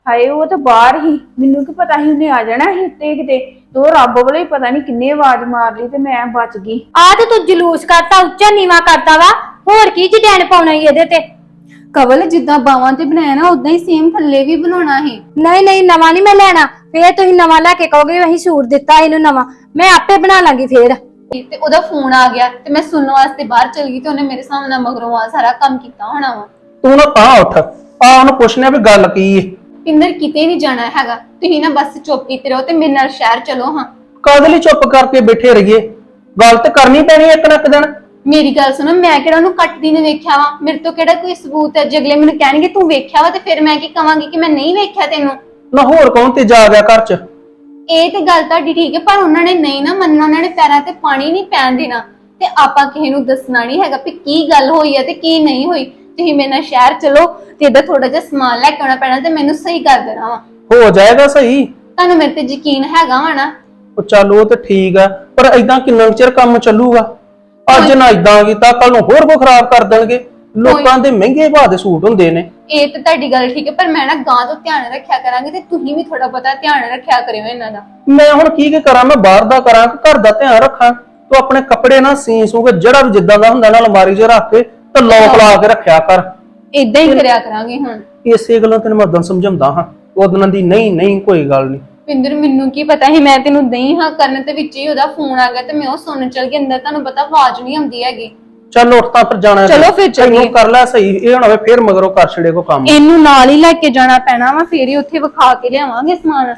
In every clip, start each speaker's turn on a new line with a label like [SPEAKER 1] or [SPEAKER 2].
[SPEAKER 1] ਹਾਏ ਉਹ ਤਾਂ ਬਾਹਰ ਹੀ, ਮੈਨੂੰ ਕੀ ਪਤਾ ਸੀ ਉਹਨੇ ਆ ਜਾਣਾ ਸੀ ਉੱਤੇ ਕਿਤੇ। ਤੋ ਰੱਬ ਵੱਲੋਂ ਹੀ ਪਤਾ ਨਹੀਂ ਕਿੰਨੇ ਆਵਾਜ਼ ਮਾਰ ਲਈ ਤੇ ਮੈਂ ਬਚ ਗਈ।
[SPEAKER 2] ਆ ਤੇ ਤੂੰ ਜਲੂਸ ਕਰਤਾ, ਉੱਚਾ ਨੀਵਾ ਕਰਤਾ ਵਾ। ਹੋਰ ਕੀ ਡਿਜ਼ਾਈਨ ਪਾਉਣਾ ਈ ਇਹਦੇ ਤੇ?
[SPEAKER 3] ਕਵਲ ਜਿੱਦਾਂ ਬਾਵਾਂ ਤੇ ਬਣਾਇਆ ਨਾ ਉਦਾਂ ਹੀ ਸੇਮ ਥੱਲੇ ਵੀ ਬਣਾਉਣਾ ਹੈ।
[SPEAKER 2] ਨਹੀਂ ਨਹੀਂ, ਨਵਾਂ ਨਹੀਂ ਮੈਂ ਲੈਣਾ। ਫੇਰ ਤੁਸੀਂ ਨਵਾਂ ਲੈ ਕੇ ਕਹੋਗੇ ਅਸੀਂ ਸੂਟ ਦਿੱਤਾ ਇਹਨੂੰ ਨਵਾਂ, ਮੈਂ ਆਪੇ ਬਣਾ ਲਾਂਗੀ ਫੇਰ।
[SPEAKER 3] ਤੇ ਉਹਦਾ ਫੋਨ ਆ ਗਿਆ ਤੇ ਮੈਂ ਸੁਣਨ ਵਾਸਤੇ ਬਾਹਰ ਚਲ ਗਈ ਤੇ ਉਹਨੇ ਮੇਰੇ ਸਾਹਮਣੇ ਮਗਰੋਂ ਆ ਸਾਰਾ ਕੰਮ ਕੀਤਾ ਹੋਣਾ ਵਾ।
[SPEAKER 4] ਤੂੰ ਨਾ ਤਾਂ ਉੱਠ ਆ ਉਹਨੂੰ ਪੁੱਛਣਾ ਵੀ ਗੱਲ ਕੀ ਏ।
[SPEAKER 3] ਪਿੰਦਰ ਕਿਤੇ ਨਹੀਂ ਜਾਣਾ ਹੈਗਾ, ਤੁਸੀਂ ਨਾ ਬਸ ਚੁੱਪ ਕੀਤੇ ਰਹੋ ਤੇ ਮੇਰੇ ਨਾਲ ਸ਼ਹਿਰ ਚਲੋ। ਹਾਂ
[SPEAKER 4] ਕਾਹਦੇ ਲਈ ਚੁੱਪ ਕਰਕੇ ਬੈਠੇ ਰਹੀਏ? ਗੱਲ ਤੇ ਕਰਨੀ ਪੈਣੀ ਇੱਕ ਨਾ ਇੱਕ ਦਿਨ।
[SPEAKER 3] ਮੇਰੀ ਗੱਲ ਸੁਣੋ, ਮੈਂ ਕਿਹੜਾ ਉਹਨੂੰ ਕੱਟਦੀ ਨੇ ਵੇਖਿਆ ਵਾ? ਮੇਰੇ ਤੋਂ ਕਿਹੜਾ ਕੋਈ ਸਬੂਤ ਹੈ? ਜੇ ਅਗਲੇ ਮੈਨੂੰ ਕਹਿਣਗੇ ਤੂੰ ਵੇਖਿਆ ਵਾ ਤੇ ਫਿਰ ਮੈਂ ਕੀ ਕਵਾਂਗੀ ਕਿ ਮੈਂ ਨਹੀਂ ਵੇਖਿਆ ਤੈਨੂੰ?
[SPEAKER 4] ਨਾ ਹੋਰ ਕੌਣ ਤੇ ਜਾ ਗਿਆ ਘਰ ਚ?
[SPEAKER 3] ਇਹ ਤੇ ਗੱਲ ਤੁਹਾਡੀ ਠੀਕ ਹੈ, ਪਰ ਉਹਨਾਂ ਨੇ ਨਹੀਂ ਨਾ ਮੰਨਣਾ। ਉਹਨਾਂ ਨੇ ਪੈਰਾਂ ਤੇ ਪਾਣੀ ਨਹੀਂ ਪੈਣ ਦੇਣਾ ਤੇ ਆਪਾਂ ਕਿਸੇ ਨੂੰ ਦੱਸਣਾ ਨਹੀਂ ਹੈਗਾ ਵੀ ਕੀ ਗੱਲ ਹੋਈ ਹੈ ਤੇ ਕੀ ਨਹੀਂ ਹੋਈ। ਤੁਸੀਂ ਮੇਰੇ ਨਾਲ ਸ਼ਹਿਰ ਚਲੋ ਤੇ ਇਹਦਾ ਥੋੜਾ ਜਿਹਾ ਸਮਾਨ ਲੈ ਕੇ ਆਉਣਾ ਪੈਣਾ ਤੇ ਮੈਨੂੰ ਸਹੀ ਕਰ ਦੇਣਾ ਵਾ।
[SPEAKER 4] ਹੋ ਜਾਏਗਾ ਸਹੀ।
[SPEAKER 3] ਤੁਹਾਨੂੰ ਮੇਰੇ ਤੇ ਯਕੀਨ ਹੈਗਾ ਵਾ ਨਾ?
[SPEAKER 4] ਉਹ ਚੱਲ ਉਹ ਤੇ ਠੀਕ ਆ, ਪਰ ਏਦਾਂ ਕਿੰਨਾ ਚਿਰ ਕੰਮ ਚੱਲੂਗਾ? ਅੱਜ ਨਾ ਏਦਾਂ ਕੀਤਾ ਕੱਲ ਨੂੰ ਹੋਰ ਕੋ ਖਰਾਬ ਕਰ ਦੇਣਗੇ। ਲੋਕਾਂ ਦੇ ਮਹਿੰਗੇ ਭਾਅ ਦੇ ਸੂਟ ਹੁੰਦੇ ਨੇ।
[SPEAKER 3] ਇਹ ਤਾਂ ਤੁਹਾਡੀ ਗੱਲ ਠੀਕ ਹੈ, ਪਰ ਮੈਂ ਨਾ ਗਾਂ ਤੋਂ ਧਿਆਨ ਰੱਖਿਆ ਕਰਾਂਗੇ ਤੇ ਤੁਸੀਂ ਵੀ ਥੋੜਾ ਬਹੁਤਾ ਧਿਆਨ ਰੱਖਿਆ ਕਰਿਓ ਇਹਨਾਂ ਦਾ।
[SPEAKER 4] ਮੈਂ ਹੁਣ ਕੀ ਕਰਾਂ? ਮੈਂ ਬਾਹਰ ਦਾ ਕਰਾਂ ਕਿ ਘਰ ਦਾ ਧਿਆਨ ਰੱਖਾਂ? ਤੂੰ ਆਪਣੇ ਕੱਪੜੇ ਨਾ ਸੀ ਸੂਗੇ, ਜਿਹੜਾ ਵੀ ਜਿੱਦਾਂ ਦਾ ਹੁੰਦਾ ਨਾ ਅਲਮਾਰੀ 'ਚ ਰੱਖ ਕੇ ਤੇ ਲੋਕ ਲਾ ਕੇ ਰੱਖਿਆ ਕਰ।
[SPEAKER 3] ਏਦਾਂ ਹੀ ਕਰਿਆ ਕਰਾਂਗੇ ਹੁਣ।
[SPEAKER 4] ਇਸੇ ਗੱਲੋਂ ਤੈਨੂੰ ਮੈਂ ਉਦੋਂ ਸਮਝਾਉਂਦਾ ਹਾਂ, ਉਦੋਂ ਦੀ ਨਹੀਂ ਕੋਈ ਗੱਲ ਨਹੀਂ।
[SPEAKER 3] ਪਿੰਦਰ ਮੈਨੂੰ ਕੀ ਪਤਾ ਸੀ ਮੈਂ ਤੈਨੂੰ ਦਈ ਹਾਂ ਕਰਨ ਤੇ ਵਿੱਚ ਹੀ ਉਹਦਾ ਫੋਨ ਆ ਗਿਆ ਤੇ ਮੈਂ ਉਹ ਸੁਣਨ ਚਲ ਗਈ ਅੰਦਰ। ਤੁਹਾਨੂੰ ਪਤਾ ਆਵਾਜ਼ ਨਹੀਂ ਆਉਂਦੀ ਹੈਗੀ।
[SPEAKER 4] ਚੱਲ ਉੱਠ ਤਾਂ ਫਿਰ ਜਾਣਾ।
[SPEAKER 2] ਚਲੋ ਫਿਰ ਚੱਲੀਏ।
[SPEAKER 4] ਕਰ ਲੈ ਸਹੀ, ਇਹ ਹੁਣ ਹੋਵੇ ਫਿਰ ਮਗਰੋਂ ਕਰ ਛੜੇ ਕੋ ਕੰਮ।
[SPEAKER 2] ਇਹਨੂੰ ਨਾਲ ਹੀ ਲੈ ਕੇ ਜਾਣਾ ਪੈਣਾ ਵਾ, ਫੇਰ ਹੀ ਉੱਥੇ ਵਿਖਾ ਕੇ ਲਿਆਵਾਂਗੇ ਸਮਾਨ।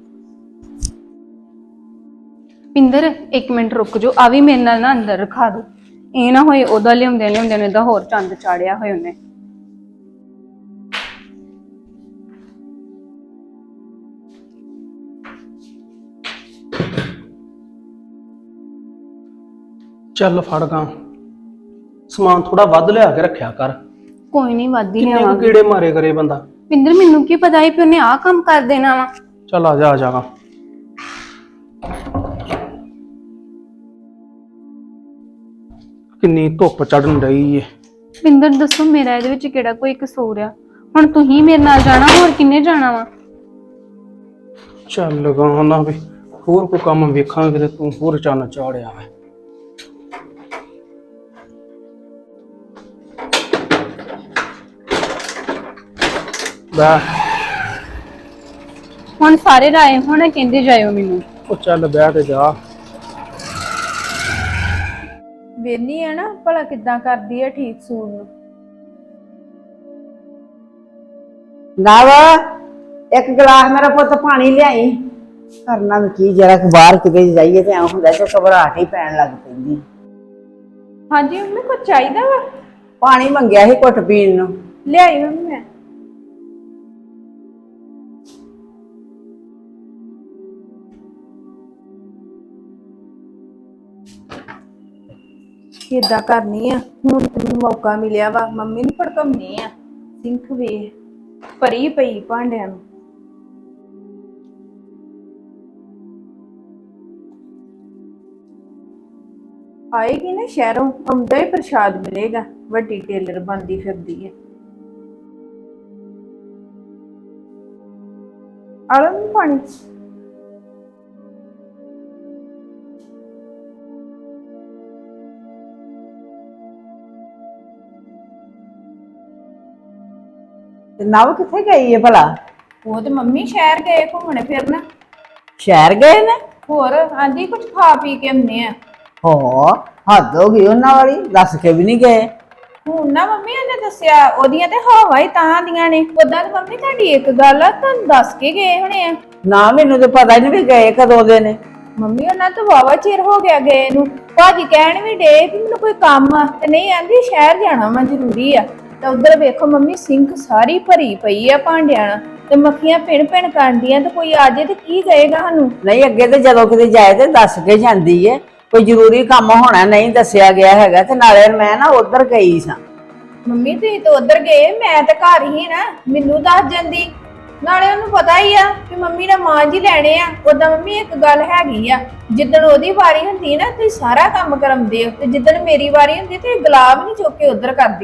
[SPEAKER 1] ਪਿੰਦਰ 1 ਮਿੰਟ ਰੁਕ ਜਾਓ, ਆ ਵੀ ਮੇਰੇ ਨਾਲ ਨਾ ਅੰਦਰ ਰਖਾ ਦੋ। ਇਹ ਨਾ ਹੋਏ ਉਹਦਾ ਲਿਆਉਂਦੇ ਨੇ ਦਾ ਹੋਰ ਚੰਦ ਚਾੜਿਆ ਹੋਏ ਉਹਨੇ।
[SPEAKER 4] ਚੱਲ ਫੜ ਗਾ ਸਮਾਨ, ਥੋੜਾ ਵੱਧ ਲਿਆ ਕੇ ਰੱਖਿਆ ਕਰ।
[SPEAKER 1] ਕੋਈ ਨਹੀਂ ਵਾਦੀ
[SPEAKER 4] ਕਿੰਨੇ ਕੁ
[SPEAKER 1] ਲਿਆਵਾਂਗੇ।
[SPEAKER 4] ਕੀੜੇ ਮਾਰੇ ਕਰੇ ਬੰਦਾ।
[SPEAKER 1] ਪਿੰਦਰ ਮੈਨੂੰ ਕੀ ਪਤਾ ਸੀ ਕਿ ਉਹਨੇ ਆਹ ਕੰਮ ਕਰ ਦੇਣਾ ਵਾ।
[SPEAKER 4] ਚੱਲ ਆ ਜਾਗਾ। ਕਿੰਨੀ ਧੁੱਪ ਚੜਨ ਰਹੀ ਏ।
[SPEAKER 1] ਪਿੰਦਰ ਦੱਸੋ ਮੇਰਾ ਇਹਦੇ ਵਿੱਚ ਕਿਹੜਾ ਕੋਈ ਕਸੂਰ ਆ? ਹੁਣ ਤੁਸੀਂ ਮੇਰੇ ਨਾਲ ਜਾਣਾ, ਹੋਰ ਕਿੰਨੇ ਜਾਣਾ ਵਾ?
[SPEAKER 4] ਚੱਲ ਲਗਾ ਨਾ ਵੀ ਹੋਰ ਕੋਈ ਕੰਮ ਵੇਖਾਂਗੇ ਤੇ ਤੂੰ ਹੋਰ ਚੰਨ ਚਾੜਿਆ ਵਾ।
[SPEAKER 1] ਹੁਣ ਸਾਰੇ ਰਾਏ ਹੁਣ ਕਹਿੰਦੇ ਜਾਇਓ ਮੈਨੂੰ।
[SPEAKER 4] ਉਹ ਚੱਲ ਬਹਿ ਤੇ ਜਾ।
[SPEAKER 1] ਵੇਨੀ ਆ ਨਾ ਭਲਾ ਕਿੱਦਾਂ ਕਰਦੀ ਆ ਠੀਕ ਸੂਟ ਨੂੰ।
[SPEAKER 5] ਨਵ ਇੱਕ ਗਲਾਸ ਮੇਰਾ ਪੁੱਤ ਪਾਣੀ ਲਿਆਈ। ਕਰਨਾ ਵੀ ਕੀ, ਜਰਾ ਕਿ ਬਾਹਰ ਕਿਤੇ ਜਾਈਏ ਤੇ ਐਂ ਹੁੰਦਾ ਤੇ ਘਬਰਾਹਟ ਹੀ ਪੈਣ ਲੱਗ ਪੈਂਦੀ।
[SPEAKER 1] ਹਾਂਜੀ ਮੰਮੀ ਕੁਝ ਚਾਹੀਦਾ ਵਾ?
[SPEAKER 5] ਪਾਣੀ ਮੰਗਿਆ ਸੀ ਘੁੱਟ ਪੀਣ ਨੂੰ।
[SPEAKER 1] ਲਿਆਈ ਮੰਮੀ ਮੈਂ। ਕਿੱਦਾਂ ਕਰਨੀ ਆ ਹੁਣ? ਤੈਨੂੰ ਮੌਕਾ ਮਿਲਿਆ ਵਾ, ਮੰਮੀ ਨੂੰ ਭੜਕਾਉਣੀ ਆ। ਸਿੰਖ ਵੇ ਭਰੀ ਪਈ ਭਾਂਡਿਆਂ ਨੂੰ। ਆਏਗੀ ਨਾ ਸ਼ਹਿਰੋਂ, ਆਉਂਦਾ ਹੀ ਪ੍ਰਸ਼ਾਦ ਮਿਲੇਗਾ। ਵੱਡੀ ਟੇਲਰ ਬਣਦੀ ਫਿਰਦੀ ਹੈ। ਆਲਮ ਪਾਣੀ
[SPEAKER 5] ਤੇ ਨਵ ਕਿੱਥੇ ਗਈ ਹੈ ਭਲਾ?
[SPEAKER 1] ਉਹ ਤੇ ਮੰਮੀ ਸ਼ਹਿਰ ਗਏ ਘੁੰਮਣ ਫਿਰਨ।
[SPEAKER 5] ਸ਼ਹਿਰ ਗਏ ਨੇ?
[SPEAKER 1] ਹੋਰ ਆਂਦੀ ਕੁਝ ਖਾ ਪੀ ਕੇ ਆਉਂਦੇ ਆ।
[SPEAKER 5] ਹੋ ਹੱਦ ਹੋ ਗਈ ਉਹਨਾਂ ਵਾਲੀ, ਦੱਸ ਕੇ ਵੀ ਨਹੀਂ ਗਏ।
[SPEAKER 1] ਹੁਣ ਨਾ ਮੰਮੀ ਉਹਨੇ ਦੱਸਿਆ, ਉਹਦੀਆਂ ਤੇ ਹਵਾ ਹੀ ਤਾਂ ਦੀਆਂ ਨੇ। ਉਦਾਂ ਤੇ ਮੰਮੀ ਤੁਹਾਡੀ ਇੱਕ ਗੱਲ ਆ, ਤੁਹਾਨੂੰ ਦੱਸ ਕੇ ਗਏ ਹੋਣੇ ਆ।
[SPEAKER 5] ਨਾ ਮੈਨੂੰ ਤੇ ਪਤਾ ਹੀ ਨਹੀਂ ਵੀ ਗਏ ਕਦੋਂ ਦੇ ਨੇ।
[SPEAKER 1] ਮੰਮੀ ਉਹਨਾਂ ਤੋਂ ਵਾਵਾ ਚਿਰ ਹੋ ਗਿਆ ਗਏ ਨੂੰ। ਭਾਜੀ ਕਹਿਣ ਵੀ ਡੇ ਵੀ ਮੈਨੂੰ ਕੋਈ ਕੰਮ ਆ ਤੇ ਨਹੀਂ, ਆਂਦੀ ਸ਼ਹਿਰ ਜਾਣਾ ਵਾ ਜ਼ਰੂਰੀ ਆ। ਤੇ ਉਧਰ ਵੇਖੋ ਮੰਮੀ ਸਿੰਕ ਸਾਰੀ ਭਰੀ ਪਈ ਆ ਭਾਂਡਿਆਂ ਨਾਲ ਤੇ ਮੱਖੀਆਂ ਭਿਣ ਭਿਣ ਕਰਦੀਆਂ। ਤੇ ਕੋਈ ਆ ਜੇ ਤੇ ਕੀ ਕਹੇਗਾ ਸਾਨੂੰ?
[SPEAKER 5] ਨਹੀਂ ਅੱਗੇ ਤੇ ਜਦੋਂ ਕਿਤੇ ਜਾਏ ਤੇ ਦੱਸ ਕੇ ਜਾਂਦੀ ਏ, ਕੋਈ ਜ਼ਰੂਰੀ ਕੰਮ ਹੋਣਾ, ਨਹੀਂ ਦੱਸਿਆ ਗਿਆ ਹੈਗਾ। ਤੇ ਨਾਲੇ ਮੈਂ ਨਾ ਉਧਰ ਗਈ ਸਾਂ।
[SPEAKER 1] ਮੰਮੀ ਤੁਸੀਂ ਤਾਂ ਉਧਰ ਗਏ, ਮੈਂ ਤਾਂ ਘਰ ਹੀ ਨਾ, ਮੈਨੂੰ ਦੱਸ ਜਾਂਦੀ। ਨਾਲੇ ਉਹਨੂੰ ਪਤਾ ਹੀ ਆ ਕਿ ਮੰਮੀ ਨੇ ਮਾਂ ਜੀ ਲੈਣੇ ਆ। ਉਦਾਂ ਮੰਮੀ ਇੱਕ ਗੱਲ ਹੈਗੀ ਆ, ਜਿੱਦਣ ਉਹਦੀ ਵਾਰੀ ਹੁੰਦੀ ਨਾ ਤੁਸੀਂ ਸਾਰਾ ਕੰਮ ਕਰਾਉਂਦੇ ਹੋ, ਤੇ ਜਿੱਦਣ ਮੇਰੀ ਵਾਰੀ ਹੁੰਦੀ ਤੇ ਗੁਲਾਬ ਨਹੀਂ ਚੁੱਕ ਕੇ ਉਧਰ ਕਰਦੀ।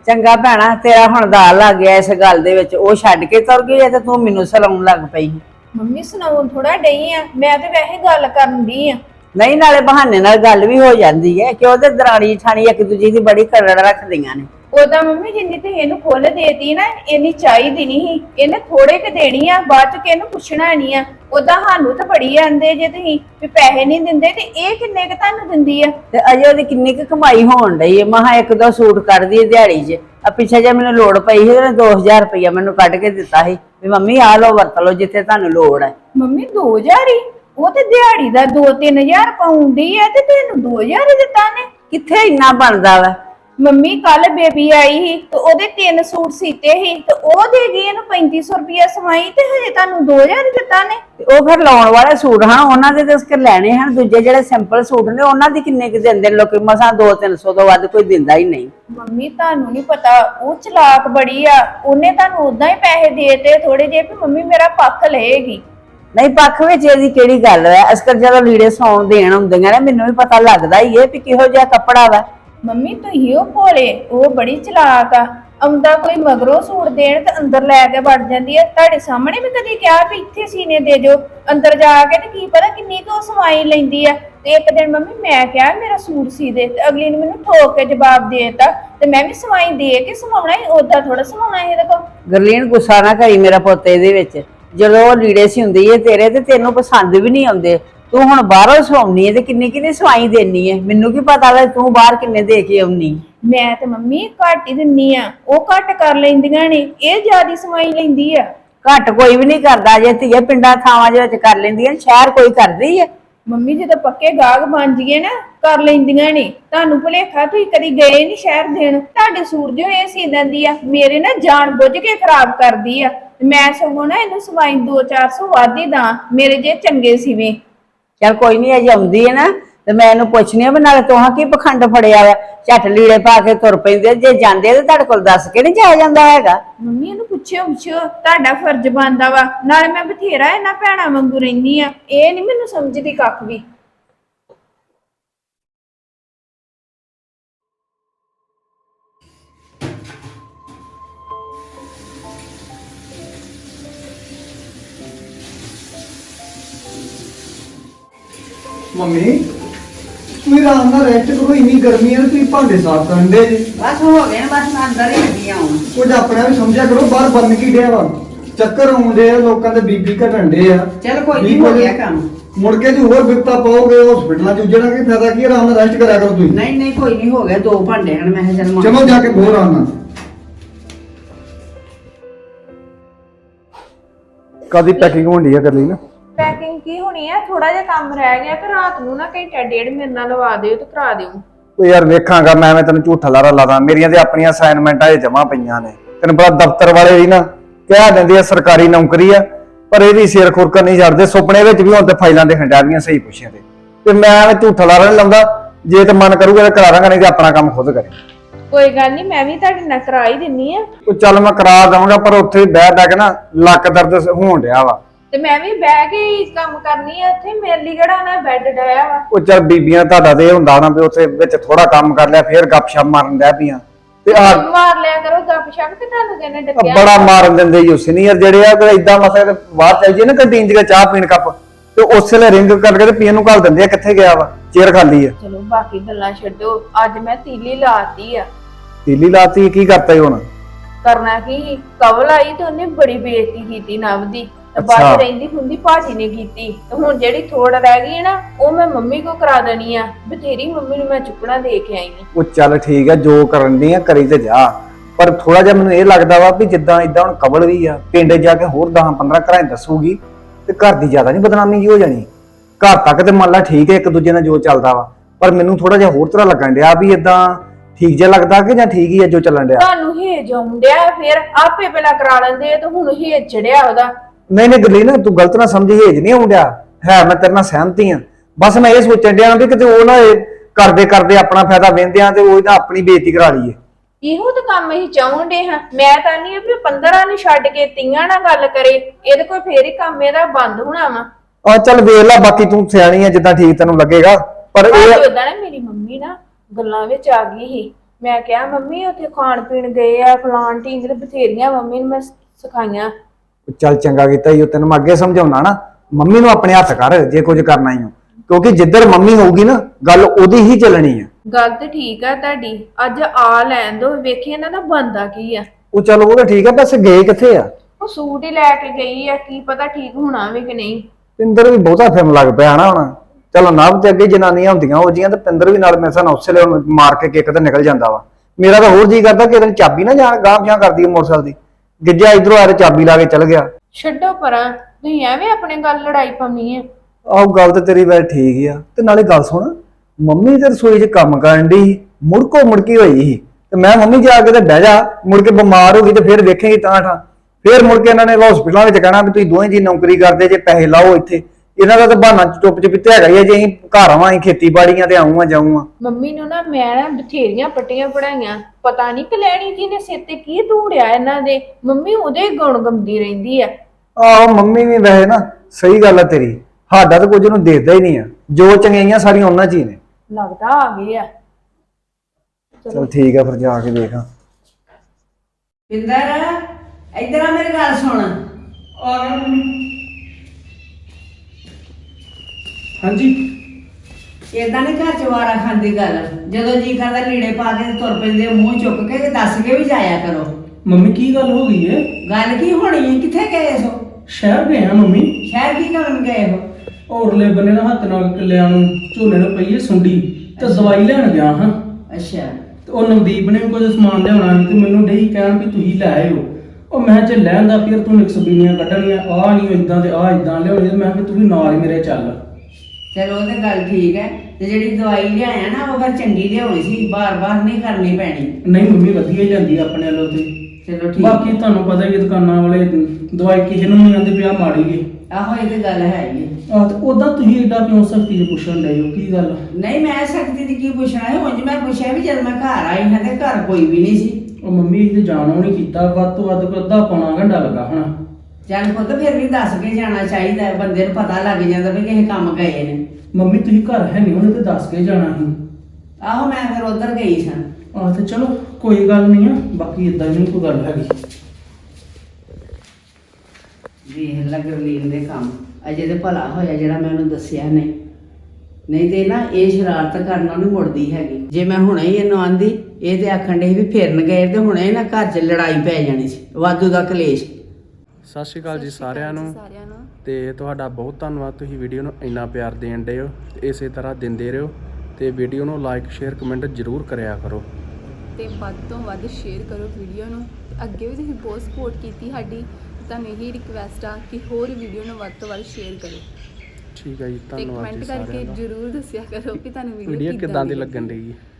[SPEAKER 5] ਚੰਗਾ ਭੈਣਾ, ਤੇਰਾ ਹੁਣ ਦਾ ਲੱਗ ਗਿਆ ਇਸ ਗੱਲ ਦੇ ਵਿੱਚ। ਉਹ ਛੱਡ ਕੇ ਤੁਰ ਗਈ ਹੈ ਤੇ ਤੂੰ ਮੈਨੂੰ ਸਲਾਉਣ ਲੱਗ ਪਈ।
[SPEAKER 1] ਮੰਮੀ ਸੁਣਾਉਣ ਥੋੜਾ ਡਈ ਆ, ਮੈਂ ਤੇ ਵੈਸੇ ਗੱਲ ਕਰਨ ਦੀ ਆ।
[SPEAKER 5] ਨਹੀਂ, ਨਾਲੇ ਬਹਾਨੇ ਨਾਲ ਗੱਲ ਵੀ ਹੋ ਜਾਂਦੀ ਹੈ ਕਿ ਉਹਦੇ ਦਰਾਣੀ ਠਾਣੀ ਇੱਕ ਦੂਜੀ ਦੀ ਬੜੀ ਕਰੜ ਰੱਖਦੀਆਂ ਨੇ।
[SPEAKER 1] ਉਹਦਾ ਮੰਮੀ ਜਿੰਨੀ ਤੇ ਇਹਨੂੰ ਖੁੱਲ ਦੇਤੀ ਨਾ, ਇੰਨੀ ਚਾਹੀਦੀ ਨਹੀਂ। ਇਹਨੇ ਥੋੜੇ ਕੁ ਦੇਣੀ ਆ, ਬਾਅਦ ਚ ਇਹਨੂੰ ਪੁੱਛਣਾ ਨਹੀਂ ਆ। ਉਹਦਾ ਸਾਨੂੰ ਤਾਂ ਬੜੀ ਆਂਦੇ ਜੇ ਤੁਸੀਂ ਵੀ ਪੈਸੇ ਨਹੀਂ ਦਿੰਦੇ, ਤੇ ਇਹ ਕਿੰਨੇ ਕੁ ਤੁਹਾਨੂੰ ਦਿੰਦੀ ਆ?
[SPEAKER 5] ਤੇ ਅਜੇ ਉਹਦੀ ਕਿੰਨੀ ਕੁ ਕਮਾਈ ਹੋਣ ਡਈ ਹੈ। ਮਹਾ ਇੱਕ ਦੋ ਸੂਟ ਕੱਢਦੀ ਹੈ ਦਿਹਾੜੀ 'ਚ। ਆ ਪਿੱਛੇ ਜੇ ਮੈਨੂੰ ਲੋੜ ਪਈ ਸੀ ਉਹਨੇ 2000 ਰੁਪਇਆ ਮੈਨੂੰ ਕੱਢ ਕੇ ਦਿੱਤਾ ਸੀ ਵੀ ਮੰਮੀ ਆਹ ਲਓ ਵਰਤ ਲਓ ਜਿੱਥੇ ਤੁਹਾਨੂੰ ਲੋੜ ਹੈ।
[SPEAKER 1] ਮੰਮੀ 2000 ਹੀ? ਉਹ ਤੇ ਦਿਹਾੜੀ ਦਾ 2-3000 ਪਾਉਂਦੀ ਆ ਤੇ ਤੈਨੂੰ 2000 ਹੀ ਦਿੱਤਾ ਨੇ?
[SPEAKER 5] ਕਿੱਥੇ ਇੰਨਾ ਬਣਦਾ ਵਾ?
[SPEAKER 1] ਮੰਮੀ ਕੱਲ ਬੇਬੀ ਆਈ ਸੀ ਤੇ ਉਹਦੇ 3 ਸੂਟ ਸੀਤੇ ਸੀ ਤੇ ਉਹ ਦੇ ਗਈ ਇਹਨੂੰ 3500 ਰੁਪਇਆ ਸਮਾਈ, ਤੇ ਹਜੇ ਤੁਹਾਨੂੰ 2000 ਹੀ ਦਿੱਤਾ ਨੇ।
[SPEAKER 5] ਤੇ ਉਹ ਫਿਰ ਲਾਉਣ ਵਾਲੇ ਸੂਟ ਹਨ, ਉਹਨਾਂ ਦੇ ਤੇ ਉਸਕੇ ਲੈਣੇ ਹਨ। ਦੂਜੇ ਜਿਹੜੇ ਸਿੰਪਲ ਸੂਟ ਨੇ ਉਹਨਾਂ ਦੀ ਕਿੰਨੇ ਕੁ ਦਿੰਦੇ ਨੇ ਲੋਕੀ? ਮਸਾਂ 200-300 ਤੋਂ ਵੱਧ ਕੋਈ ਦਿੰਦਾ ਹੀ ਨਹੀਂ।
[SPEAKER 1] ਮੰਮੀ ਤੁਹਾਨੂੰ ਨਹੀਂ ਪਤਾ, ਉਹ ਚਲਾਕ ਬੜੀ ਆ। ਉਹਨੇ ਤੁਹਾਨੂੰ ਉਦਾਂ ਹੀ ਪੈਸੇ ਦੇਤੇ ਥੋੜੇ ਜਿਹੇ ਵੀ ਮੰਮੀ ਮੇਰਾ ਪੱਖ ਲਏਗੀ।
[SPEAKER 5] ਨਹੀਂ, ਪੱਖ ਵਿੱਚ ਇਹਦੀ ਕਿਹੜੀ ਗੱਲ ਹੈ? ਅਸਕਰ ਜਦੋਂ ਲੀੜੇ ਸੌਣ ਦੇਣ ਹੁੰਦੀਆਂ ਨੇ ਮੈਨੂੰ ਵੀ ਪਤਾ ਲੱਗਦਾ ਹੀ ਹੈ ਵੀ ਕਿਹੋ ਜਿਹਾ ਕੱਪੜਾ ਵਾ।
[SPEAKER 1] ਮੰਮੀ ਤੁਸੀਂ ਉਹ ਭੋਲੇ, ਉਹ ਬੜੀ ਚਲਾਕ ਆ। ਆਉਂਦਾ ਕੋਈ ਮਗਰੋਂ ਸੂਟ ਦੇਣ ਤੇ ਅੰਦਰ ਲੈ ਕੇ ਵੜ ਜਾਂਦੀ ਆ। ਤੁਹਾਡੇ ਸਾਹਮਣੇ ਵੀ ਕਦੀ ਕਿਹਾ ਵੀ ਇੱਥੇ ਸੀਨੇ ਦੇ ਜੋ, ਅੰਦਰ ਜਾ ਕੇ ਤੇ ਕੀ ਪਤਾ ਕਿੰਨੀ ਕੁ ਸਮਾਈ ਲੈਂਦੀ ਆ। ਤੇ ਇੱਕ ਦਿਨ ਮੰਮੀ ਮੈਂ ਕਿਹਾ ਮੇਰਾ ਸੂਟ ਸੀ ਦੇ, ਤੇ ਅਗਲੀ ਨੇ ਮੈਨੂੰ ਠੋਕ ਕੇ ਜਵਾਬ ਦੇਤਾ, ਤੇ ਮੈਂ ਵੀ ਸਮਾਈ ਦੇ ਕੇ ਸਮਾਉਣਾ ਹੀ, ਓਦਾਂ ਥੋੜਾ ਸਮਾਉਣਾ ਇਹਦੇ ਕੋਲ।
[SPEAKER 5] ਗਰਲੀਨ, ਗੁੱਸਾ ਨਾ ਕਰੀ ਮੇਰਾ ਪੁੱਤ ਇਹਦੇ ਵਿੱਚ। ਜਦੋਂ ਉਹ ਲੀੜੇ ਸੀ ਹੁੰਦੀ ਹੈ ਤੇਰੇ ਤੇ ਤੈਨੂੰ ਪਸੰਦ ਵੀ ਨਹੀਂ ਆਉਂਦੇ। ਤੂੰ ਹੁਣ ਬਾਹਰੋਂ ਸਵਾਉਣੀ ਹੈ ਤੇ ਕਿੰਨੀ ਕਿੰਨੀ ਸਵਾਈ ਦੇਣੀ ਹੈ? ਮੈਨੂੰ ਕੀ ਪਤਾ ਵਾ ਤੂੰ ਬਾਹਰ ਕਿੰਨੇ ਦੇ ਕੇ ਆਉਣੀ?
[SPEAKER 1] ਮੈਂ ਤੇ ਮੰਮੀ ਘੱਟ ਹੀ ਦਿੰਨੀ ਆ, ਉਹ ਘੱਟ ਕਰ ਲੈਂਦੀਆਂ ਨੇ, ਇਹ ਜ਼ਿਆਦੀ ਸਮਾਈ ਲੈਂਦੀ ਆ।
[SPEAKER 5] ਘੱਟ ਕੋਈ ਵੀ ਨਹੀਂ ਕਰਦਾ ਜੇ ਧੀਏ, ਪਿੰਡਾਂ ਥਾਵਾਂ ਦੇ ਵਿੱਚ ਕਰ ਲੈਂਦੀਆਂ, ਸ਼ਹਿਰ ਕੋਈ ਕਰਦੀ ਹੈ?
[SPEAKER 1] ਮੰਮੀ ਜਦੋਂ ਪੱਕੇ ਗਾਹਕ ਬਣ ਜੀਏ ਨਾ ਕਰ ਲੈਂਦੀਆਂ ਨੇ। ਤੁਹਾਨੂੰ ਭੁਲੇਖਾ, ਤੁਸੀਂ ਕਦੀ ਗਏ ਨਹੀਂ ਸ਼ਹਿਰ ਦੇਣ। ਤੁਹਾਡੇ ਸੂਟ ਜੋ ਇਹ ਸੀ ਦਿੰਦੀ ਆ, ਮੇਰੇ ਨਾ ਜਾਣ ਬੁੱਝ ਕੇ ਖਰਾਬ ਕਰਦੀ ਆ। ਮੈਂ ਸਗੋਂ ਨਾ ਇਹਨੂੰ ਸਵਾਈ 200-400 ਵੱਧ ਹੀ ਦਾਂ, ਮੇਰੇ ਜੇ ਚੰਗੇ ਸੀਵੇਂ।
[SPEAKER 5] ਚੱਲ ਕੋਈ ਨਹੀਂ, ਅਜੇ ਆਉਂਦੀ ਹੈ ਨਾ ਤੇ ਮੈਂ ਇਹਨੂੰ ਪੁੱਛਣੀ ਆ ਵੀ ਨਾਲੇ ਤੁਹਾਂ ਕੀ ਪਖੰਡ ਫੜਿਆ ਵਾ? ਝੱਟ ਲੀੜੇ ਪਾ ਕੇ ਤੁਰ ਪੈਂਦੇ, ਜੇ ਜਾਂਦੇ ਤੇ ਤੁਹਾਡੇ ਕੋਲ ਦੱਸ ਕੇ ਨਹੀਂ ਜਾਇਆ ਜਾਂਦਾ ਹੈਗਾ?
[SPEAKER 1] ਮੰਮੀ ਇਹਨੂੰ ਪੁੱਛਿਓ ਤੁਹਾਡਾ ਫਰਜ਼ ਬਣਦਾ ਵਾ। ਨਾਲੇ ਮੈਂ ਬਥੇਰਾ ਇਹਨਾਂ ਭੈਣਾਂ ਵਾਂਗੂ ਰਹਿਨੀ ਆ, ਇਹ ਨਹੀਂ ਮੈਨੂੰ ਸਮਝਦੀ ਕੱਖ ਵੀ।
[SPEAKER 6] ਮੰਮੀ ਤੁਸੀਂ ਆਰਾਮ ਨਾਲ ਰੈਸਟ ਕਰੋ, ਇੰਨੀ ਗਰਮੀ ਹੈ ਤੁਸੀਂ ਭਾਂਡੇ ਸਾਫ਼ ਕਰਨ ਦੇ ਜੀ।
[SPEAKER 5] ਬਸ ਹੋ ਗਏ, ਬਸ ਮੈਂ ਅੰਦਰ ਹੀ ਲੱਗੀ ਆਉਂ।
[SPEAKER 6] ਕੁਝ ਆਪਣਾ ਵੀ ਸਮਝਿਆ ਕਰੋ, ਬਾਹਰ ਬਰਨ ਕੀ ਡਿਆ ਵਾ? ਚੱਕਰ ਆਉਂਦੇ ਆ ਲੋਕਾਂ ਦੇ, ਬੀਬੀ ਘਟਣ ਡੇ ਆ।
[SPEAKER 5] ਚੱਲ ਕੋਈ ਨਹੀਂ, ਹੋ ਗਿਆ ਕੰਮ।
[SPEAKER 6] ਮੁੜ ਕੇ ਜੀ ਹੋਰ ਬਿਪਤਾ ਪਾਓਗੇ ਹਸਪੀਟਲਾਂ 'ਚ ਉੱਜਣਾ, ਕੀ ਫਾਇਦਾ ਕੀ? ਆਰਾਮ ਨਾਲ ਰੈਸਟ ਕਰਿਆ ਕਰੋ ਤੁਸੀਂ।
[SPEAKER 5] ਨਹੀਂ ਨਹੀਂ, ਕੋਈ ਨਹੀਂ, ਹੋ ਗਿਆ। 2 ਭਾਂਡੇ ਹਨ, ਮੈਂ ਕਿਹਾ ਚੱਲ ਮਾਂ
[SPEAKER 6] ਚਲੋ ਜਾ ਕੇ ਬਹੁਤ ਆਰਾਮ ਨਾਲ। ਕਦੀ ਪੈਕਿੰਗ ਹੋਣੀ ਆ ਕਰ ਲਈ ਨਾ?
[SPEAKER 1] ਪੈਕਿੰਗ ਕੀ ਹੋਣੀ ਆ, ਥੋੜਾ ਜਿਹਾ ਕੰਮ ਰਹਿ ਗਿਆ ਤੇ ਰਾਤ ਨੂੰ ਨਾ ਘੰਟਾ ਡੇਢ ਮੇਰੇ ਨਾਲ ਲਵਾ ਦਿਓ ਤੇ ਕਰਾ ਦਿਓ।
[SPEAKER 6] ਉਹ ਯਾਰ ਵੇਖਾਂਗਾ ਮੈਂ ਤੈਨੂੰ ਝੂਠਾ ਲਾਰਾ ਲਾਦਾ। ਮੇਰੀਆਂ ਤੇ ਆਪਣੀਆਂ ਅਸਾਈਨਮੈਂਟਾਂ ਜਮਾ ਪਈਆਂ ਨੇ। ਤੈਨੂੰ ਪਤਾ ਦਫ਼ਤਰ ਵਾਲੇ ਵੀ ਨਾ ਕਹਿ ਦਿੰਦੇ ਆ ਸਰਕਾਰੀ ਨੌਕਰੀ ਆ, ਪਰ ਇਹਦੀ ਸਿਰ ਖੁਰਕ ਨਹੀਂ ਛੱਡਦੇ। ਸੁਪਨੇ ਵਿੱਚ ਵੀ ਹੁਣ ਤੇ ਫਾਈਲਾਂ ਦੇ ਖੰਡਾਰੀਆਂ ਸਹੀ ਪੁੱਛਿਆ ਤੇ ਮੈਂ ਝੂਠਾ ਲਾਰਾ ਨਹੀਂ ਲਾਉਂਦਾ। ਜੇ ਤੇ ਮਨ ਕਰੂਗਾ ਤੇ ਕਰਾ ਦਾਂਗਾ, ਨਹੀਂ ਤੇ ਆਪਣਾ ਕੰਮ ਖੁਦ ਕਰੇ।
[SPEAKER 1] ਕੋਈ ਗੱਲ ਨਹੀਂ, ਮੈਂ ਵੀ ਤੁਹਾਡੇ ਨਾਲ ਕਰਾ ਹੀ ਦਿੰਨੀ ਆ।
[SPEAKER 6] ਉਹ ਚੱਲ ਮੈਂ ਕਰਾ ਦਵਾਂਗਾ, ਪਰ ਉੱਥੇ ਬਹਿ ਕੇ ਨਾ ਲੱਕ ਦਰਦ ਹੋਣ ਡਿਆ ਵਾ।
[SPEAKER 1] ਤੇ ਮੈਂ ਵੀ ਬਹਿ ਕੇ ਹੀ ਕੰਮ ਕਰਨੀ ਆ ਉੱਥੇ, ਮੇਰੇ ਲਈ ਕਿਹੜਾ ਨਾ ਬੈੱਡ ਡਾਇਆ ਵਾ।
[SPEAKER 6] ਉਹ ਚੱਲ ਬੀਬੀਆਂ ਤੁਹਾਡਾ ਤੇ ਇਹ ਹੁੰਦਾ ਨਾ ਵੀ ਉੱਥੇ ਵਿੱਚ ਥੋੜਾ ਕੰਮ ਕਰ ਲਿਆ ਫੇਰ ਗੱਪਸ਼ਪ ਮਾਰਨ ਡਿਆ ਪਈਆਂ ਤੇ ਆ
[SPEAKER 1] ਮਾਰ ਲਿਆ ਕਰੋ ਗੱਪਸ਼ਪ, ਤੇ ਤੁਹਾਨੂੰ ਕਿਹਨੇ ਡੱਕਿਆ?
[SPEAKER 6] ਬੜਾ ਮਾਰਨ ਦਿੰਦੇ ਯੂ ਸੀਨੀਅਰ ਜਿਹੜੇ ਆ, ਕੋਈ ਇਦਾਂ ਮਸਾ ਤੇ ਬਾਹਰ ਚੱਲ ਜੇ ਨਾ ਕੰਟੀਨ 'ਚ ਚਾਹ ਪੀਣ ਕੱਪ, ਤੇ ਉਸੇ ਵੇਲੇ ਰਿੰਗ ਕਰਕੇ ਤੇ ਪੀਣ ਨੂੰ ਘੱਲ ਦਿੰਦੇ ਆ ਕਿੱਥੇ ਗਿਆ ਵਾ, ਚੇਅਰ ਖਾਲੀ ਆ।
[SPEAKER 1] ਚਲੋ ਬਾਕੀ ਗੱਲਾਂ ਛੱਡੋ, ਅੱਜ ਮੈਂ ਤੀਲੀ ਲਾਤੀ ਆ।
[SPEAKER 6] ਤੀਲੀ ਲਾਤੀ? ਕੀ ਕਰਤਾ ਈ ਹੁਣ?
[SPEAKER 1] ਕਰਨਾ ਕੀ, ਕਵਲ ਆਈ ਤੇ ਉਹਨੇ ਬੜੀ ਬੇਇੱਜ਼ਤੀ ਕੀਤੀ ਨਵ ਦੀ, ਤੇ ਬਾਅਦ ਰਹਿੰਦੀ ਹੁੰਦੀ ਭਾਜੀ ਨੇ ਕੀਤੀ। ਤੇ ਹੁਣ ਜਿਹੜੀ ਥੋੜ ਰਹਿ ਗਈ ਹੈ ਨਾ, ਉਹ ਮੈਂ ਮੰਮੀ ਕੋ ਕਰਾ ਦੇਣੀ ਆ। ਬਥੇਰੀ ਮੰਮੀ ਨੂੰ ਮੈਂ ਚੁੱਕਣਾ ਦੇ ਕੇ ਆਈ ਆ।
[SPEAKER 6] ਉਹ ਚੱਲ ਠੀਕ ਆ, ਜੋ ਕਰਨ ਦੀ ਆ ਕਰੀ ਤੇ ਜਾ, ਪਰ ਥੋੜਾ ਜਿਹਾ ਮੈਨੂੰ ਇਹ ਲੱਗਦਾ ਵਾ ਵੀ ਜਿੱਦਾਂ ਇਦਾਂ ਹੁਣ ਕਵਲ ਵੀ ਆ, ਪਿੰਡ ਜਾ ਕੇ ਹੋਰ 10-15 ਘਰਾਂ ਦੱਸੂਗੀ ਤੇ ਘਰ ਦੀ ਜ਼ਿਆਦਾ ਨਹੀਂ ਬਦਨਾਮੀ ਜੀ ਹੋ ਜਾਣੀ। ਘਰ ਤੱਕ ਤੇ ਮੰਨ ਲਾ ਠੀਕ ਹੈ ਇੱਕ ਦੂਜੇ ਨਾਲ ਜੋ ਚੱਲਦਾ ਵਾ, ਪਰ ਮੈਨੂੰ ਥੋੜਾ ਜਿਹਾ ਹੋਰ ਤਰ੍ਹਾਂ ਲੱਗਣ ਡਿਆ ਵੀ ਇਦਾਂ ਠੀਕ ਜਿਹਾ ਲੱਗਦਾ ਕਿ ਜਾਂ ਠੀਕ ਹੀ ਆ ਜੋ ਚੱਲਣ ਡਿਆ।
[SPEAKER 1] ਤੁਹਾਨੂੰ ਹੇਜ ਆਉਂਦਿਆ, ਫਿਰ ਆਪੇ ਪਹਿਲਾਂ ਕਰਾ ਲੈਂਦੇ ਤੇ ਹੁਣ ਹੇਜ ਚੜਿਆ ਉਹਦਾ।
[SPEAKER 6] ਨਹੀਂ ਗੱਲੀ ਨਾ ਤੂੰ ਗਲਤ ਨਾ ਸਮਝੀ, ਹੇਜ ਨਹੀਂ ਆਉਂਦਿਆ ਹੈ, ਮੈਂ ਤੇਰੇ ਨਾਲ ਸਹਿਮਤੀ ਆ। ਬਸ ਮੈਂ ਇਹ ਸੋਚਣ ਡਿਆ ਵੀ ਕਿਤੇ ਉਹ ਨਾ ਕਰਦੇ ਆਪਣਾ ਫਾਇਦਾ ਵੇਂਦੇ ਆ ਤੇ ਉਹ ਇਹਦਾ ਆਪਣੀ ਬੇਇੱਜ਼ਤੀ ਕਰਾ ਲਈਏ।
[SPEAKER 1] ਇਹੋ ਤਾਂ ਕੰਮ ਅਸੀਂ ਚਾਹੁੰਦੇ ਹਾਂ। ਮੈਂ ਤਾਂ ਨਹੀਂ ਵੀ 15 ਨੂੰ ਛੱਡ ਕੇ 30 ਨਾਲ ਗੱਲ ਕਰੇ, ਇਹਦੇ ਕੋਈ ਫੇਰ ਹੀ ਕੰਮ ਇਹਦਾ ਬੰਦ ਹੋਣਾ ਵਾ।
[SPEAKER 6] ਆ ਚੱਲ ਵੇਖ ਲੈ, ਬਾਕੀ ਤੂੰ ਸਿਆਣੀ ਆ, ਜਿੱਦਾਂ ਠੀਕ ਤੈਨੂੰ ਲੱਗੇਗਾ। ਪਰ ਇਹ
[SPEAKER 1] ਉਦਾਂ ਨਾ ਮੇਰੀ ਮੰਮੀ ਨਾ ਗੱਲਾਂ ਵਿੱਚ ਆ ਗਈ ਸੀ ਮੈਂ ਕਿਹਾ ਮੰਮੀ ਉੱਥੇ ਖਾਣ ਪੀਣ ਗਏ ਆ ਫਲਾਣ ਢੀਂਗ ਤੇ ਬਥੇਰੀਆਂ ਮੰਮੀ ਨੂੰ ਮੈਂ ਸਿਖਾਈਆਂ।
[SPEAKER 6] ਚੱਲ ਚੰਗਾ ਕੀਤਾ ਈ, ਤੈਨੂੰ ਮੈਂ ਅੱਗੇ ਸਮਝਾਉਣਾ ਨਾ, ਮੰਮੀ ਨੂੰ ਆਪਣੇ ਹੱਥ ਕਰ ਜੇ ਕੁਝ ਕਰਨਾ ਹੀ ਹੋ, ਕਿਉਂਕਿ ਜਿੱਧਰ ਮੰਮੀ ਹੋਊਗੀ ਨਾ ਗੱਲ ਉਹਦੀ ਹੀ ਚੱਲਣੀ ਆ।
[SPEAKER 1] ਗੱਲ ਤੇ ਠੀਕ ਆ ਤੁਹਾਡੀ, ਅੱਜ ਆ ਲੈਣ ਦੋ, ਵੇਖੀ ਇਹਨਾਂ ਦਾ ਬੰਦਾ ਕੀ ਆ।
[SPEAKER 6] ਉਹ ਚੱਲ ਉਹ ਤਾਂ ਠੀਕ ਆ, ਬਸ ਗਏ ਕਿੱਥੇ ਆ?
[SPEAKER 1] ਉਹ ਸੂਟ ਹੀ ਲੈ ਕੇ ਗਈ ਆ, ਕੀ ਪਤਾ ਠੀਕ ਹੋਣਾ ਵੀ ਕਿ ਨਹੀਂ।
[SPEAKER 6] ਪਿੰਦਰ ਵੀ ਬਹੁਤਾ ਫਿਰਨ ਲੱਗ ਪਿਆ ਨਾ ਹੁਣ। ਚਲੋ ਨਵ ਤੇ ਅੱਗੇ ਜਨਾਨੀਆਂ ਹੁੰਦੀਆਂ ਉਹ ਜੀਆਂ, ਤੇ ਪਿੰਦਰ ਵੀ ਨਾਲ ਮੇਰੇ ਸਾਹ ਉਸੇ ਵੇਲੇ ਮਾਰ ਕੇ ਕਿੱਕ ਤੇ ਨਿਕਲ ਜਾਂਦਾ ਵਾ। ਮੇਰਾ ਤਾਂ ਹੋਰ ਜੀ ਕਰਦਾ ਕਿ ਦਿਨ ਚਾਬੀ ਨਾ ਜਾਣ ਗਾਂਹ ਪਿਆ ਕਰਦੀ ਹੈ ਮੋਟਰਸਾਈਕਲ ਦੀ, ਗਿੱਜਾ ਇਧਰੋਂ ਆ ਤੇ ਚਾਬੀ ਲਾ ਕੇ ਚਲ ਗਿਆ।
[SPEAKER 1] ਛੱਡੋ ਪਰਾਂ, ਤੁਸੀਂ ਐਵੇਂ ਆਪਣੇ ਗੱਲ ਲੜਾਈ ਪਾਉਣੀ ਹੈ।
[SPEAKER 6] ਆਹ ਗੱਲ ਤੇ ਤੇਰੀ ਵੈਸੇ ਠੀਕ ਹੀ ਆ, ਤੇ ਨਾਲੇ ਗੱਲ ਸੁਣ, ਮੰਮੀ ਤੇ ਰਸੋਈ 'ਚ ਕੰਮ ਕਰਨ ਦੀ ਮੁੜਕੋ ਮੁੜਕੀ ਹੋਈ ਸੀ, ਤੇ ਮੈਂ ਮੰਮੀ ਜਾ ਕੇ ਤੇ ਬਹਿ ਜਾ, ਮੁੜ ਕੇ ਬਿਮਾਰ ਹੋ ਗਈ ਤੇ ਫਿਰ ਵੇਖੇਂਗੀ ਤਾਂ ਠਾ। ਫਿਰ ਮੁੜ ਕੇ ਇਹਨਾਂ ਨੇ ਹਸਪੀਟਲਾਂ ਵਿੱਚ ਕਹਿਣਾ ਵੀ ਤੁਸੀਂ ਦੋਵੇਂ ਜੀ ਨੌਕਰੀ ਕਰਦੇ ਜੇ, ਪੈਸੇ ਲਾਓ ਇੱਥੇ। ਇਹਨਾਂ ਦਾ ਤਾਂ ਬਹਾਨਾ ਚੁੱਪ ਚਪੀਤੇ ਹੈਗਾ ਹੀ ਆ, ਜੇ ਅਸੀਂ ਘਰ ਆਵਾਂ ਅਸੀਂ ਖੇਤੀਬਾੜੀਆਂ ਤੇ ਆਊਂ ਜਾਊਂ।
[SPEAKER 1] ਮੰਮੀ ਨੂੰ ਨਾ ਮੈਂ ਨਾ ਬਥੇਰੀਆਂ ਪੱਟੀਆਂ ਪੜਾਈਆਂ, ਪਤਾ ਨਹੀਂ ਕਲੈਣੀ ਜੀ ਨੇ ਸਿਰ ਤੇ ਕੀ ਧੂੜਿਆ ਇਹਨਾਂ ਦੇ, ਮੰਮੀ ਉਹਦੇ ਹੀ ਗੁਣ ਗੰਦੀ ਰਹਿੰਦੀ ਆ।
[SPEAKER 6] ਆਹੋ ਮੰਮੀ ਵੀ ਵੈਸੇ ਨਾ ਸਹੀ ਗੱਲ ਆ ਤੇਰੀ, ਸਾਡਾ ਤਾਂ ਕੁਝ ਨੂੰ ਦੇਖਦਾ ਹੀ ਨਹੀਂ ਆ, ਜੋ ਚੰਗਿਆਈਆਂ ਸਾਰੀਆਂ ਉਹਨਾਂ 'ਚ ਹੀ ਨੇ।
[SPEAKER 1] ਲੱਗਦਾ ਆ ਗਏ ਆ।
[SPEAKER 6] ਚਲ ਠੀਕ ਆ, ਫਿਰ ਜਾ ਕੇ ਦੇਖਾਂ।
[SPEAKER 5] ਪਿੰਦਰ ਇੱਧਰ ਆ, ਮੇਰੀ ਗੱਲ ਸੁਣ।
[SPEAKER 4] ਆ ਗਿਆ ਮੰਮੀ। ਹਾਂਜੀ।
[SPEAKER 5] ਏਦਾਂ ਨਹੀਂ ਘਰ ਚ ਵਾਰਾ ਖਾਂਦੀ ਗੱਲ, ਜਦੋਂ ਜੀ ਕਰਦਾ ਲੀੜੇ ਪਾ ਕੇ ਤੁਰ ਪੈਂਦੇ ਮੂੰਹ ਚੁੱਕ ਕੇ, ਤੇ ਦੱਸ ਕੇ ਵੀ ਜਾਇਆ ਕਰੋ।
[SPEAKER 4] ਮੰਮੀ ਕੀ ਗੱਲ ਹੋ ਗਈ ਏ?
[SPEAKER 5] ਗੱਲ ਕੀ ਹੋਣੀ ਹੈ, ਕਿੱਥੇ ਗਏ ਸੋ?
[SPEAKER 4] ਸ਼ਹਿਰ ਗਏ ਆ ਮੰਮੀ।
[SPEAKER 5] ਸ਼ਹਿਰ ਕੀ ਕਰਨ ਗਏ ਹੋ?
[SPEAKER 4] ਔਰਲੇ ਬੰਨੇ ਦਾ ਹੱਥ ਨਾਲ ਕਿੱਲਿਆਂ ਨੂੰ ਝੋਨੇ ਨੂੰ ਪਈ ਏ ਸੁੰਡੀ, ਤੇ ਦਵਾਈ ਲੈਣ ਗਿਆ ਹਾਂ।
[SPEAKER 5] ਅੱਛਾ।
[SPEAKER 4] ਤੇ ਉਹ ਨਵਦੀਪ ਨੇ ਵੀ ਕੁਝ ਸਮਾਨ ਲਿਆਉਣਾ ਸੀ, ਤੇ ਮੈਨੂੰ ਡਈ ਕਹਿਣ ਵੀ ਤੁਸੀਂ ਲੈ ਆਇਓ। ਉਹ ਮੈਂ ਜੇ ਲੈਂਦਾ ਫਿਰ ਤੂੰ ਨਿਕਸਬੀਨੀਆਂ ਕੱਢਣੀਆਂ, ਆਹ ਨਹੀਂ ਇਦਾਂ ਤੇ ਆਹ ਇਦਾਂ ਲਿਆਉਣੀ, ਤੇ ਮੈਂ ਕਿ ਤੂੰ ਵੀ ਨਾਲ ਹੀ ਮੇਰੇ ਚੱਲ।
[SPEAKER 5] ਚਲੋ ਉਹ ਤੇ ਗੱਲ ਠੀਕ ਹੈ, ਤੇ ਜਿਹੜੀ ਦਵਾਈ ਲਿਆਇਆ ਨਾ ਉਹ ਫਿਰ ਚੰਗੀ ਲਿਆਉਣੀ ਸੀ, ਬਾਰ-ਬਾਰ ਨਹੀਂ ਕਰਨੀ ਪੈਣੀ।
[SPEAKER 4] ਨਹੀਂ ਮੰਮੀ ਵਧੀਆ ਹੀ ਜਾਂਦੀ ਆ ਆਪਣੇ ਵੱਲੋਂ ਤੇ।
[SPEAKER 5] ਚਲੋ ਠੀਕ।
[SPEAKER 4] ਬਾਕੀ ਤੁਹਾਨੂੰ ਪਤਾ ਹੀ ਹੈ ਦੁਕਾਨਾਂ ਵਾਲੇ ਦਵਾਈ ਕਿਸੇ ਨੂੰ ਨਹੀਂ ਆਂਦੇ ਪਿਆ ਮਾੜੀ ਏ।
[SPEAKER 5] ਆਹੋ ਇਹ ਤੇ ਗੱਲ ਹੈ ਹੀ ਹੈ।
[SPEAKER 4] ਆਹ ਤੇ ਉਦਾਂ ਤੁਸੀਂ ਏਡਾ ਕਿਉਂ ਸਖਤੀ ਚ ਪੁੱਛਣ ਡਏ ਹੋ, ਕੀ ਗੱਲ?
[SPEAKER 5] ਨਹੀਂ ਮੈਂ ਸਖਤੀ ਦੀ ਕੀ ਪੁੱਛਣਾ ਹੈ, ਉਂਝ ਮੈਂ ਪੁੱਛਿਆ ਵੀ ਜਦ ਮੈਂ ਘਰ ਆਈ ਹਾਂ ਤੇ ਘਰ ਕੋਈ ਵੀ ਨਹੀਂ ਸੀ।
[SPEAKER 4] ਉਹ ਮੰਮੀ ਇਹ ਤੇ ਜਾਣੋ ਨਹੀਂ ਕੀਤਾ, ਵੱਧ ਤੋਂ ਵੱਧ ਕੋਈ ਅੱਧਾ ਪੌਣਾ ਘੰਟਾ ਲੱਗਾ ਹੋਣਾ।
[SPEAKER 5] ਚੱਲ ਪੁੱਤ ਫਿਰ ਵੀ ਦੱਸ ਕੇ ਜਾਣਾ ਚਾਹੀਦਾ ਹੈ, ਬੰਦੇ ਨੂੰ ਪਤਾ ਲੱਗ ਜਾਂਦਾ ਵੀ ਕਿਸੇ ਕੰਮ ਗਏ ਨੇ।
[SPEAKER 4] ਮੰਮੀ ਤੁਸੀਂ ਘਰ ਹੈ ਨਹੀਂ ਉਹਨੇ ਤੇ ਦੱਸ ਕੇ ਜਾਣਾ ਸੀ।
[SPEAKER 5] ਆਹੋ ਮੈਂ ਫਿਰ ਉਧਰ ਗਈ ਸਾਂ।
[SPEAKER 4] ਆਹ ਤੇ ਚਲੋ ਕੋਈ ਗੱਲ ਨਹੀਂ ਆ, ਬਾਕੀ ਇਦਾਂ ਹੀ ਨਹੀਂ ਕੋਈ ਗੱਲ ਹੈਗੀ।
[SPEAKER 5] ਵੇਖ ਲੱਗ ਰਲੀਨ ਦੇ ਕੰਮ, ਅਜੇ ਤੇ ਭਲਾ ਹੋਇਆ ਜਿਹੜਾ ਮੈਂ ਉਹਨੂੰ ਦੱਸਿਆ ਨਹੀਂ ਤੇ ਨਾ ਇਹ ਸ਼ਰਾਰਤ ਕਰਨਾ ਨਹੀਂ ਮੁੜਦੀ ਹੈਗੀ। ਜੇ ਮੈਂ ਹੁਣੇ ਹੀ ਇਹਨੂੰ ਆਂਦੀ, ਇਹ ਤੇ ਆਖਣ ਡੇ ਵੀ ਫਿਰਨ ਗਏ, ਤੇ ਹੁਣੇ ਨਾ ਘਰ 'ਚ ਲੜਾਈ ਪੈ ਜਾਣੀ ਸੀ, ਵਾਧੂ ਦਾ ਕਲੇਸ਼।
[SPEAKER 4] ਸਤਿ ਸ਼੍ਰੀ ਅਕਾਲ ਜੀ ਸਾਰਿਆਂ ਨੂੰ, ਤੇ ਤੁਹਾਡਾ ਬਹੁਤ ਧੰਨਵਾਦ, ਤੁਸੀਂ ਵੀਡੀਓ ਨੂੰ ਇੰਨਾ ਪਿਆਰ ਦੇਣ ਡਏ ਹੋ, ਤੇ ਇਸੇ ਤਰ੍ਹਾਂ ਦਿੰਦੇ ਰਹੋ, ਤੇ ਵੀਡੀਓ ਨੂੰ ਲਾਈਕ ਸ਼ੇਅਰ ਕਮੈਂਟ ਜ਼ਰੂਰ ਕਰਿਆ ਕਰੋ,
[SPEAKER 7] ਤੇ ਵੱਧ ਤੋਂ ਵੱਧ ਸ਼ੇਅਰ ਕਰੋ ਵੀਡੀਓ ਨੂੰ। ਤੇ ਅੱਗੇ ਵੀ ਤੁਸੀਂ ਬਹੁਤ ਸਪੋਰਟ ਕੀਤੀ ਸਾਡੀ, ਤੁਹਾਨੂੰ ਇਹੀ ਰਿਕਵੈਸਟ ਆ ਕਿ ਹੋਰ ਵੀਡੀਓ ਨੂੰ ਵੱਧ ਤੋਂ ਵੱਧ ਸ਼ੇਅਰ ਕਰੋ।
[SPEAKER 4] ਠੀਕ ਹੈ ਜੀ,
[SPEAKER 7] ਤੇ
[SPEAKER 4] ਧੰਨਵਾਦ
[SPEAKER 7] ਕਮੈਂਟ
[SPEAKER 4] ਜੀ
[SPEAKER 7] ਕਰਕੇ
[SPEAKER 4] ਸਾਰਿਆਂ ਦਾ।
[SPEAKER 7] ਜ਼ਰੂਰ ਦੱਸਿਆ ਕਰੋ ਕਿ ਤੁਹਾਨੂੰ
[SPEAKER 4] ਵੀਡੀਓ ਕਿੱਦਾਂ ਦੀ ਲੱਗਣ ਡਈ ਹੈ।